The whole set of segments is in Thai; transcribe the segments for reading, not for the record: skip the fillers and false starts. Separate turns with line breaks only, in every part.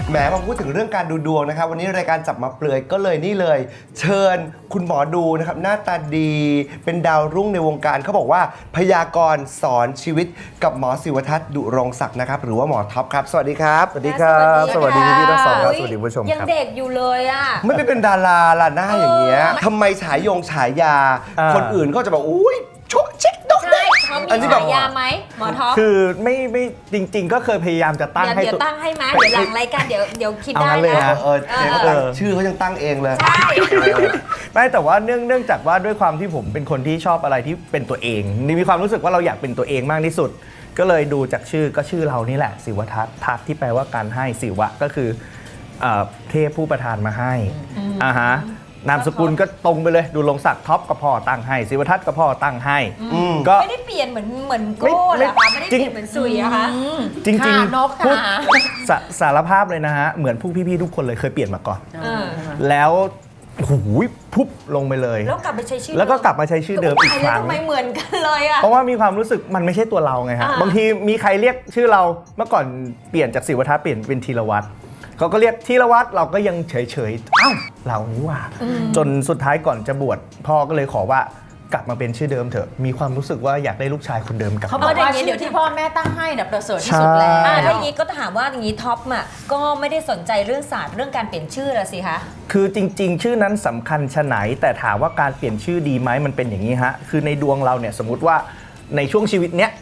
แหมมาพูดถึงเรื่องการดูดวงนะครับวันนี้รายการจับมาเปลือยก็เลยนี่เลย เชิญคุณหมอดูนะครับหน้าตาดีเป็นดาวรุ่งในวงการเขาบอกว่าพยากรณ์สอนชีวิตกับหมอศิวทัศน์ดุรงศักดิ์นะครับหรือว่าหมอท็อปครับสวัสดีครับสวัสดีครับ
สวัสดีพี่ทั้งสองครับสวัสดีผู้ชม
ยัง
ครับ
เด็กอยู่เลยอ่ะ
ไม่ไปเป็นดาราล่ะหน้าอย่างเงี้ยทำไมฉายาคนอื่นก็จะบอกอุ้ยชุเช็คดอก
ใช่เขามีฉายาไหมหมอท็อป
คือไม่จริงๆ ก็เคยพยายามจะตั้งให้
เดี๋ยวตั้งให้มาเดี๋ยวหลังรายการเดี๋ยวคิดได้
เอางั้นเลย
นะ
ฮะ
ชื่อเขายังตั้งเองเลย
ใช่
ไม่แต่ว่าเนื่องจากว่าด้วยความที่ผมเป็นคนที่ชอบอะไรที่เป็นตัวเองมีความรู้สึกว่าเราอยากเป็นตัวเองมากที่สุด ก็เลยดูจากชื่อก็ชื่อเรานี่แหละศิวทัศน์ทัศน์ที่แปลว่าการให้ศิวะก็คือเทพผู้ประทานมาให้ฮะนามสกุลก็ตรงไปเลยดูลงศักดิ์ท็อปก็พ่อตั้งให้ศิวทัศน์ก็พ่อตั้งให้ก็
ไม่ได้เปลี่ยนเหมือนโก้เหรอคะไม่ได้เปลี่ยนเหมือนซุยอะคะ
จริง
ค่ะนก
พูด
ค่ะ
สารภาพเลยนะฮะเหมือนพวกพี่ๆทุกคนเลยเคยเปลี่ยนมาก่อน แล้วหูยพุบลงไปเลย
แล้วกลับไปใช้ชื่อ
แล้วก็กลับมาใช้ชื่อเดิมอีกครั้ง
ทำไมเหมือนกันเลยอะ
เพราะว่ามีความรู้สึกมันไม่ใช่ตัวเราไงฮะบางทีมีใครเรียกชื่อเราเมื่อก่อนเปลี่ยนจากศิวทัศน์เปลี่ยนเป็นธีรวัตรเขาก็เรียกธีรวัตรเราก็ยังเฉยๆอ้าวเรานี่หว่าจนสุดท้ายก่อนจะบวชพ่อก็เลยขอว่ากลับมาเป็นชื่อเดิมเถอะมีความรู้สึกว่าอยากได้ลูกชายคนเดิมกลับ
เขาบอก
เดี๋ยว
ว่า
นี้
ชื่
เดี๋
อ
ยว
ที่พ่อแม่ตั้งให้น่ะประเสริฐที่สุดแล้ว
ถ้าอย่างนี้ก็ถามว่าอย่างนี้ท็อปอ่ะก็ไม่ได้สนใจเรื่องศาสตร์เรื่องการเปลี่ยนชื่อละสิคะ
คือจริงๆ ชื่อนั้นสำคัญชะไหนแต่ถามว่าการเปลี่ยนชื่อดีไหมมันเป็นอย่างนี้ฮะคือในดวงเราเนี่ยสมมุติว่าในช่วงชีวิตเนี้ย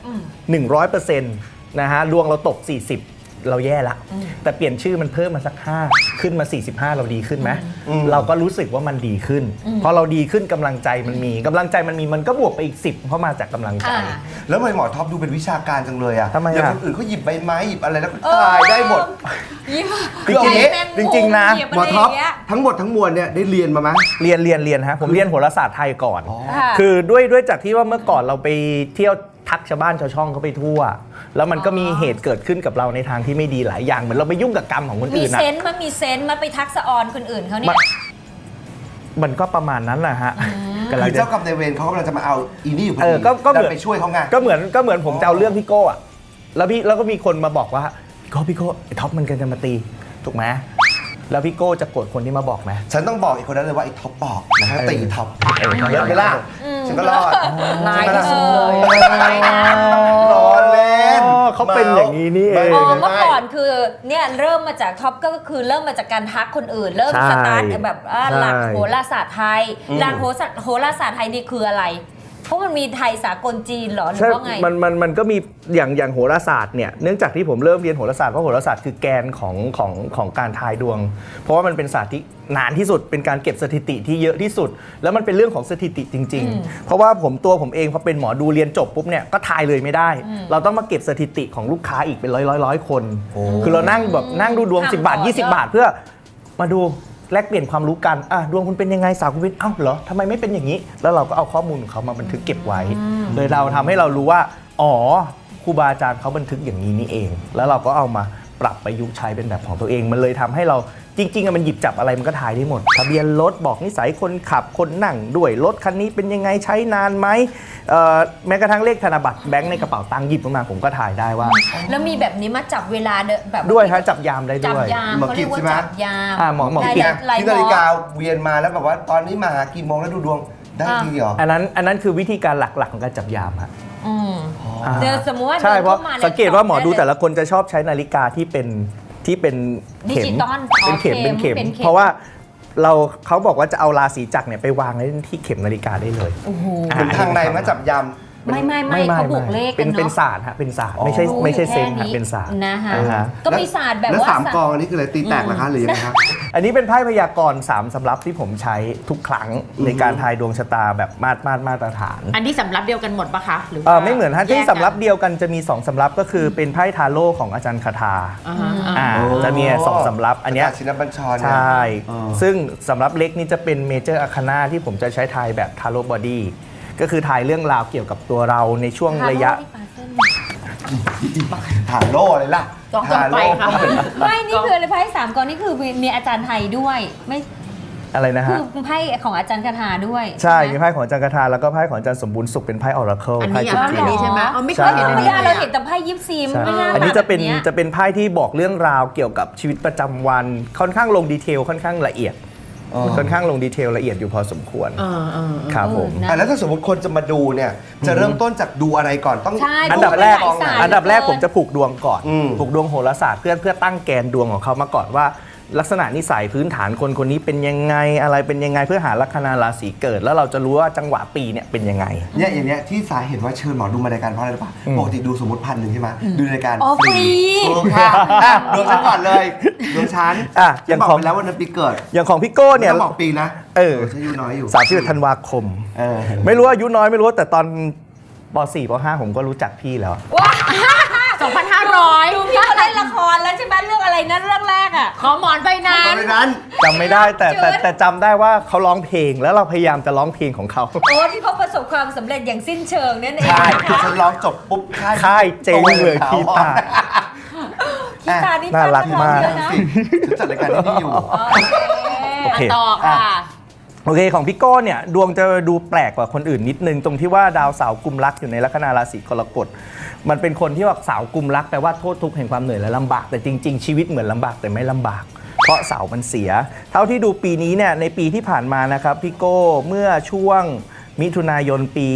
100%นะฮะดวงเราตก 40เราแย่ละแต่เปลี่ยนชื่อมันเพิ่มมาสัก5ขึ้นมา45เราดีขึ้นไหมเราก็รู้สึกว่ามันดีขึ้นพอเราดีขึ้นกำลังใจมันมีมันก็บวกไปอีก10เพราะมาจากกำลังใจ
แล้วทำไมหมอท็อปดูเป็นวิชาการจังเลยอ่ะ
ทำไมอะ
อย่างคนอื่นเขาหยิบใบไม้หยิบอะไรแล้วก็ตายได้หมด
ยิ้ม
คือเอางี้
จริงๆนะ
หมอท็อปทั้งหมดทั้งมวลเนี่ยได้เรียนมาไหม
เรียนฮะผมเรียนโหราศาสตร์ไทยก่อน
ค่ะ
คือด้วยจากที่ว่าเมื่อก่อนเราไปเที่ยวทักชาวบ้านชาวช่องเขาไปทั่ว แล้วมันก็มีเหตุเกิดขึ้นกับเราในทางที่ไม่ดีหลายอย่างเหมือนเราไปยุ่งกับกรรมของคน
มี
อื่นนะ
เซนต์มาไปทักษะออนคนอื่นเขาเนี่ย
มันก็ประมาณนั้นแหละฮะกำลั
คื
ง
อ
จะ
เจ้ากรรมนายเวรเขากำลังจะมาเอาอีนี่อยู่พอดี
ก็เหมือน
ดันไปช่วยเขาไง
ก็เหมือนผมจะเอาเรื่องพี่โก้อะแล้วก็มีคนมาบอกว่าพี่โก้ไอ้ท็อปมันกันจะมาตีถูกไหมแล้วพี่โก้จะโกรธคนที่มาบอกไหม
ฉันต้องบอกอีกคนนั้นเลยว่าไอ้ท็อปบอกนะฮะตีท็อปเยอะไหมล่ะฉันก็รอด
นายที่สุดเลย
รอเล่น
เขาเป็นอย่างนี้นี่เอง
อ๋อเมื่อก่อนคือเนี่ยเริ่มมาจากท็อปก็คือเริ่มมาจากการทักคนอื่น เริ่ม
ใช่
สตาร์ทแบบหลัก
ใช่
โหราศาสตร์ไทยหลักโหราศาสตร์ไทยนี่คืออะไร เพราะมันมีไทยสากลจีนเหรอหรือ
ใช่
ว่าไง
มันก็มีอย่างโหราศาสตร์เนี่ยเนื่องจากที่ผมเริ่มเรียนโหราศาสตร์เพราะโหราศาสตร์คือแกนของการทายดวง เพราะว่ามันเป็นศาสตร์ที่นานที่สุดเป็นการเก็บสถิติที่เยอะที่สุด แล้วมันเป็นเรื่องของสถิติจริง ๆ เพราะว่าตัวผมเองพอเป็นหมอดูเรียนจบปุ๊บเนี่ยก็ทายเลยไม่ได้ เราต้องมาเก็บสถิติของลูกค้าอีกเป็นร้อยคน คือเรานั่งดูดวง 10 บาท 20 บาทเพื่อมาดูแลกเปลี่ยนความรู้กันดวงคุณเป็นยังไงสาวคุณเป็นเหรอทำไมไม่เป็นอย่างนี้ แล้วเราก็เอาข้อมูลของเขามาบันทึกเก็บไว้เลยเราทำให้เรารู้ว่าครูบาอาจารย์เขาบันทึกอย่างนี้นี่เอง แล้วเราก็เอามาปรับประยุกต์ใช้เป็นแบบของตัวเองมันเลยทำให้เราจริงๆมันหยิบจับอะไรมันก็ทายได้หมดทะเบียนรถบอกนิสัยคนขับคนนั่งด้วยรถคันนี้เป็นยังไงใช้นานไหมแม้กระทั่งเลขธนบัตรแบงค์ในกระเป๋าตังค์หยิบมาผมก็ถ่ายได้ว่า
แล้วมีแบบนี้มาจับเวลาแบบ
ด้วยฮะจับยามได้
จับ
ด้วย
ยาม
หมอ
เขา
กิ
เรี
จ
ยกว่า
ใช่ไหม
จับยาม
หมอกิจ
ที่นาฬิกาเวียนมาแล้วแบบว่าตอนนี้มาหากี่โมงแล้วดูดวงได้ทีเหรอ
อันนั้นคือวิธีการหลักๆของการจับยามฮะ
เดี๋ยวสมมติว่า
ใช่เพราะ
ดินข้ม
สังเกตว่าหมอดู
ได้เลย
แต่ละคนจะชอบใช้นาฬิกาที่เป็น
ดิ
เข็
จิ
ม
ตอล
เป็นเข็ม
เป็นเข็ม
เพราะว่าเขาบอกว่าจะเอาราศีจักรเนี่ยไปวางไว้ที่เข็มนาฬิกาได้เลย
โอ้โห
เหมือนทางในมาจับยำ
ไม่เขาบวกเลขกัน
เป็น
เนาะ
ศาสตร์ฮะเป็นศาสตร์ไม่ใช่เซนส์ฮะเป็นศาสตร์
นะคะ
อ่าฮะ
ก็มีศาสตร์แบบ
แล้ว
ว่า
สามกองอันนี้คืออะไรตีแตกเหรอคะหรือยังไงครับ
อันนี้เป็นไพ่พยากรณ์3สำรับที่ผมใช้ทุกครั้งในการทายดวงชะตาแบบมาตรฐาน
อันนี้สำรับเดียวกันหมดปะคะหรือว่า
ไม่เหมือนฮะที่
แยกกัน
สำรับเดียวกันจะมี2สำรับก็คือเป็นไพ่ทาโร่ของอาจารย์คาทา
อ่าฮะ
จะมี2สำรับอันเนี้ย
ชินบัญชร
ใช
เนี่ย่
ซึ่งสำรับเล็กนี่จะเป็นเมเจอร์อาคานาที่ผมจะใช้ทายแบบทาโร่บอดี้ก็คือทายเรื่องราวเกี่ยวกับตัวเราในช่วงระยะ
ถาโล่เลยล่ะ
ต่อไปค่ะ
ไม่นี่คืออะไรไพ่3กองนี่คือมีอาจารย์ไทยด้วยไม่
อะไรนะฮะ
คือไพ่ของอาจารย์คาถาด้วย
ใช่
ไห
มีไพ่ของอาจารย์คาถาแล้วก็ไพ่ของอาจารย์สมบูรณ์สุขเป็นไพ่ออราเคิล
อัน
ไพ่
นี้
จุด
อั
จี
น
น
นี้ใช่ไหมอ๋อไม่เค
ใช่
ยเห็นอัน
ไม่
นี้
ได้
เล
เรา
ย
เห็นแต่ไพ่ยิปซีม
ใช่
ไม่น่า
อันนี้จะเป็น
แบบย
จะเป็นไพ่ที่บอกเรื่องราวเกี่ยวกับชีวิตประจำวันค่อนข้างลงดีเทลค่อนข้างละเอียด
อ๋อ
ค่อนข้างลงดีเทลละเอียดอยู่พอสมควร ครับผม
นะ
แล้วถ้าสมมติคนจะมาดูเนี่ย จะเริ่มต้นจากดูอะไรก่อนต้อง
ใช่
อันดับแรก
ดูเป็นหลายสาย
อันดับแรกผมจะผูกดวงก่อน
อืม
ผูกดวงโหราศาสตร์เพื่อตั้งแกนดวงของเขามาก่อนว่า ลักษณะนิสัยพื้นฐานคนคนนี้เป็นยังไงอะไรเป็นยังไงเพื่อหาลัคนาราศีเกิด แล้วเราจะรู้ว่าจังหวะปีเนี่ยเป็นยังไง
เนี่ยอย่างเนี้ยที่สาเหตุว่าเชิญหมอดูมารายการเพราะอะไรรู้ป่ะปกติดูสมมติ1,000ใช่ไหมดูรายการ
อ๋อฟรี
ถูกค่ะอ่ะดวงฉันก่อนเลยดวงฉัน
อ่ะ
ฉั
อย่าง
นบอก
ของ
ไปแล้ววันนั้นปีเกิด
อย่างของพี่โก้เนี่ย
ต้องบอกปีนะ
เออ
ฉันอายุน้อยอยู่
31ธันวาคม
เออ
ไม่รู้ว่าอายุน้อยไม่รู้แต่ตอนป .4 ป .5 ผมก็รู้จักพี่แล้ว
ว้า
2,500
ดูพี่เขาเล่นละครแล้วใช่ไหมเรื่องอะไรนะเรื่องแรกอ่ะ
ขอหมอนใบนั้
ตอน นนั้น
จำไม่ได้แต่
จืด
แต่จำได้ว่าเขาร้องเพลงแล้วเราพยายามจะร้องเพลงของเขา
โอ้ที่เขาประสบความสำเร็จอย่างสิ้นเชิงนั่นเอง
ใช่
นะคะ
ฉันร้องจบปุ๊บ
ค่ายเจ๊งเลยคีตา
กีตาร์นี่
น่ารักมาก
เยอะนะ
สิฉันจัดรายการที่นี่อยู่
โอเค
ต่อค่ะ
โอเคของพี่โก้เนี่ยดวงจะดูแปลกกว่าคนอื่นนิดนึงตรงที่ว่าดาวเสาร์กุมรักอยู่ในลัคนาราศีกรกฎมันเป็นคนที่ว่าเสาร์กุมรักแปลว่าโทษทุกข์แห่งความเหนื่อยและลำบากแต่จริง ๆ ชีวิตเหมือนลำบากแต่ไม่ลำบาก เพราะเสาร์มันเสีย เท่าที่ดูปีนี้เนี่ยในปีที่ผ่านมานะครับพี่โก้เมื่อช่วงมิถุนายนปี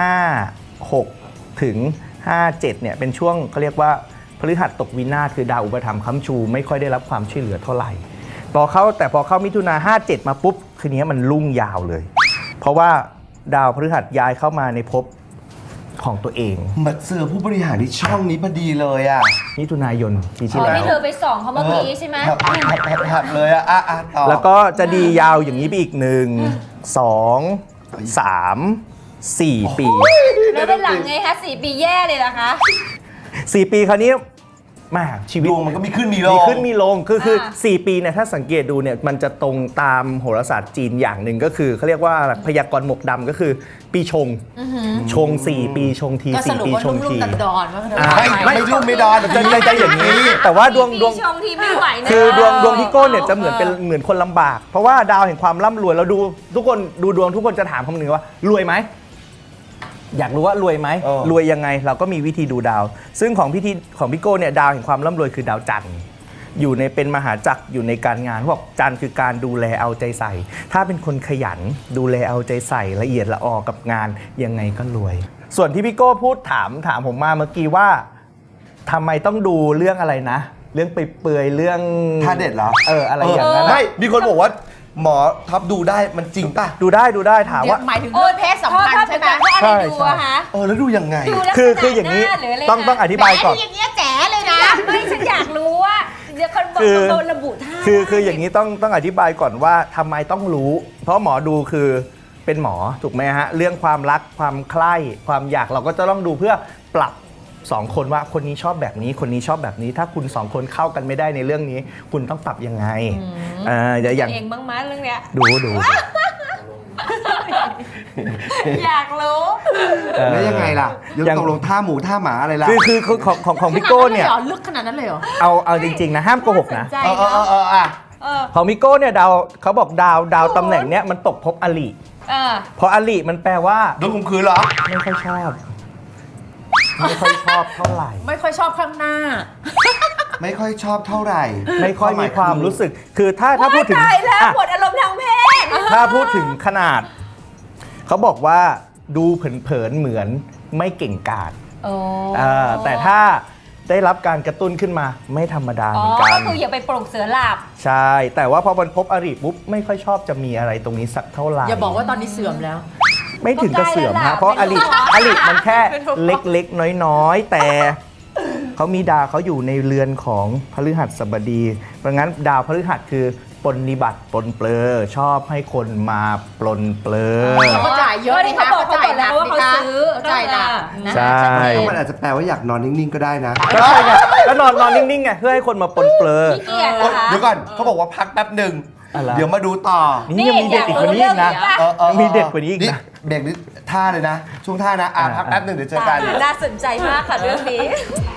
56 ถึง 57 เนี่ยเป็นช่วงเขาเรียกว่าพฤหัสตกวินาศคือดาวอุปถัมภ์ค้ำชูไม่ค่อยได้รับความช่วยเหลือเท่าไหร่พอเข้ามิถุนา57 มาปุ๊บคืนนี้มันรุ่งยาวเลย เพราะว่าดาวพฤหัสย้ายเข้ามาในภพของตัวเอง
มาเจอผู้บริหารที่ช่องนี้พอดีเลยอ่ะ
มิถุนายนปี
อ๋
ที่
อ
แล้ว
ที่เธอไปส่องเขาเมื่อกี้ใช่ไหม
หัดเลยอ่ะต่อ
แล้วก็จะดียาวอย่างนี้ไปอีก 1 2 3 4 ปี
แล้วเป็นหลังไงคะ4 ปีแย่เลยนะคะ
4 ปีคราวนี้แม่ชีวิ
ด
ต
วงมันก็มีขึ้นมีลง
มีขึ้นมีลงคือ4 ปีเนี่ยถ้าสังเกตดูเนี่ยมันจะตรงตามโหราศาสตร์จีนอย่างหนึ่งก็คือเขาเรียกว่าพยากรณ์หมกดำก็คือปีชง ชง 4 ปีชงที
ก็สรุป
4 ปี
ว่า
ชง
รุ่
ที
มๆดอนๆว่าเธอ
ไม่รุ่มไม่ดอน
จะอย่างนี้ แต่ว่าดวง
ปีชงทีไม่ไหวนะ
คือดวงพี่โก้เนี่ยจะเหมือนเป็นเหมือนคนลำบาก เพราะว่าดาวแห่งความร่ำรวยเราดูทุกคนดูดวงทุกคนจะถามคำหนึ่งว่ารวยไหมอยากรู้ว่ารวยไหมรวยยังไงเราก็มีวิธีดูดาว ซึ่งของพี่โก้เนี่ยดาวแห่งความร่ำรวยคือดาวจันทร์อยู่ในเป็นมหาจักรอยู่ในการงานเขาบอกจันทร์คือการดูแลเอาใจใส่ ถ้าเป็นคนขยันดูแลเอาใจใส่ละเอียดละออกับงานยังไงก็รวย ส่วนที่พี่โก้พูดถามผมมาเมื่อกี้ว่าทำไมต้องดูเรื่องอะไรนะ เรื่องไปเปื่อยเรื่อง
ท่าเด็ดเหรอ
อะไรอย่างนั้น
ไม่มีคนบอกว่าหมอท็อปดูได้มันจริงป่ะ
ดูได้ถามว่า
หมายถึงเรื่องเพศสัมพันธ์ใช่ไหม
เพราะอะไรดูอะคะ
แล้วดูยังไง
ดูลักษณะ
คืออย่างนี้
หน้าหรืออะไร
ต้องอธิบายก่อน
อย่างเงี้ยแจ๋เลยนะ
ไม่ฉันอยากรู้ว่าเดี๋ยวคนบอก
คือ
โดนระบุท่า
คืออย่างนี้ต้องอธิบายก่อนว่าทำไมต้องรู้ เพราะหมอดูคือเป็นหมอถูกไหมฮะเรื่องความรักความใคร่ความอยากเราก็จะต้องดูเพื่อปรับ2 คนว่าคนนี้ชอบแบบนี้คนนี้ชอบแบบนี้ ถ้าคุณ2 คนเข้ากันไม่ได้ในเรื่องนี้ คุณต้องปรับยังไงอย่าง
เองบ้างมั้ยเรื่องเนี้ย
ดู
อยากรู้
แล้วยังไงล่ะเดี๋ยว
อย่าง
ตกลงท่าหมูท่าหมาอะไรล่ะ
คือของพี่โก้เนี่ย
ลึกขนาดนั้นเลยเหรอ
เอาจริงๆนะห้ามโกหกนะ
ใจ
เอ
เนาะ
อ่ะ
เออ
ของพี่โก้เนี่ยดาวเขาบอกดาวตำแหน่งเนี้ยมันตกภพอลิ
เออ
เพราะอลิมันแปลว่า
โดนข่มขืนเหรอ
ไม่ค่อยชอบเท่าไหร่
ไม่ค่อยชอบข้างหน้า
ไม่ค่อยชอบเท่าไหร่
ไม่ค่อยมีความรู้สึก คือถ้าพูดถึง
ตายแล้ว
อ่ะ
หมดอารมณ์ทางเพศ
ถ้าพูดถึงขนาด เขาบอกว่าดูเผินๆเหมือนไม่เก่งกาจ
โอ้
แต่ถ้าได้รับการกระตุ้นขึ้นมาไม่ธรรมดาเห
อ๋
มื
อ
อนกั
ก็
น
คืออย่าไปปลุกเสือหลับ
ใช่ แต่ว่าพอมันพบอริปุ๊บไม่ค่อยชอบจะมีอะไรตรงนี้สักเท่าไหร่
อย่าบอกว่าตอนนี้เสื่อมแล้ว
ไม่ถึงกับเสื่อม
ก็ใกล้แล้ว
ฮะ
ล่ะ
เพราะอ
ไม่
ลิ
รู้
มันแค่เล็กๆ น้อยๆ แต่เขามีดาวเขาอยู่ในเรือนของพฤหัสบดี เพราะงั้นดาวพฤหัสคือปรนนิบัติปลนเปลือชอบให้คนมาปลนเปลือ
แล้วก็จ่ายเยอะ
ก็นี่เขาบอกเขา
จ่าย
บอกแล้วว่าเขาซื้อ
จ่ายหนัก
นะ
ใช่
ก็มันอาจจะแปลว่าอยากนอนนิ่งๆก็ได้นะ
ก็ใช่ไงก็นอนนิ่งๆไงเพื่อให้คนมาปลนเปลือ
ขี้เกียจ
โอ๊ย
นะคะ
เดี๋ยวก่อนเขาบอกว่าพักแป๊บหนึ่ง
อะไร
เดี๋ยวมาดูต่อ
นี่ยังมีเด็ดอีกกว่านี้อีกนะ ยังมีเด็ดกว่านี้อีกนะ
เบรกนี้ท่าเลยนะ ช่วงท่านะพักแป๊บหนึ่งเดี๋ยวเจอกัน
น่าสนใจมากค่ะเรื่องนี้